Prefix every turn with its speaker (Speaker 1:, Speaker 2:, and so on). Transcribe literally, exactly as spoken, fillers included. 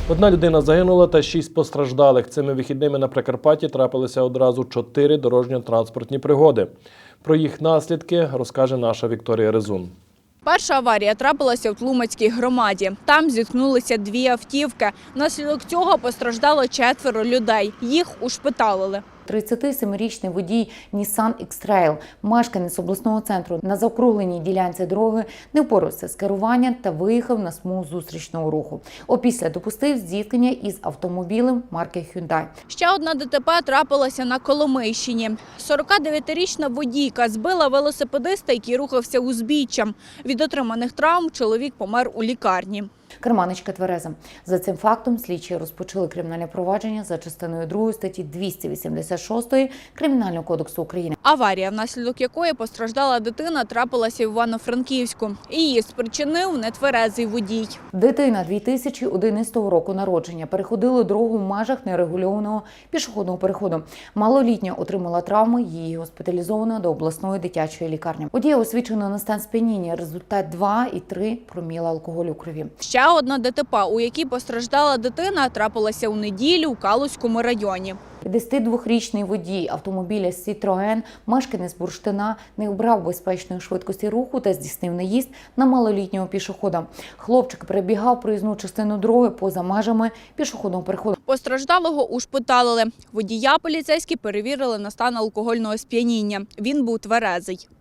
Speaker 1: Одна людина загинула та шість постраждалих. Цими вихідними на Прикарпатті трапилися одразу чотири дорожньо-транспортні пригоди. Про їх наслідки розкаже наша Вікторія Резун.
Speaker 2: Перша аварія трапилася в Тлумацькій громаді. Там зіткнулися дві автівки. Внаслідок цього постраждало четверо людей. Їх ушпиталили.
Speaker 3: тридцятисемирічний водій Nissan X-Trail, мешканець обласного центру, на заокругленій ділянці дороги не впорався з керуванням та виїхав на смугу зустрічного руху. Опісля допустив зіткнення із автомобілем марки Hyundai.
Speaker 2: Ще одна ДТП трапилася на Коломийщині. сорокадев'ятирічна водійка збила велосипедиста, який рухався узбіччям. Від отриманих травм чоловік помер у лікарні.
Speaker 3: Керманичка твереза. За цим фактом слідчі розпочали кримінальне провадження за частиною другої статті двісті вісімдесят шість Кримінального кодексу України.
Speaker 2: Аварія, внаслідок якої постраждала дитина, трапилася в Івано-Франківську. Її спричинив нетверезий водій.
Speaker 3: Дитина дві тисячі одинадцятого року народження переходила дорогу в межах нерегульованого пішохідного переходу. Малолітня отримала травми, її госпіталізовано до обласної дитячої лікарні. Водія освідчено на стан сп'яніння, результат два і три проміла алкоголю в крові.
Speaker 2: Ще одна ДТП, у якій постраждала дитина, трапилася у неділю у Калузькому районі.
Speaker 3: п'ятдесятидвохрічний водій автомобіля Citroen, мешканець Бурштина, не обрав безпечної швидкості руху та здійснив наїзд на малолітнього пішохода. Хлопчик перебігав проїзну частину дороги поза межами пішохідного переходу.
Speaker 2: Постраждалого ушпиталили. Водія поліцейські перевірили на стан алкогольного сп'яніння. Він був тверезий.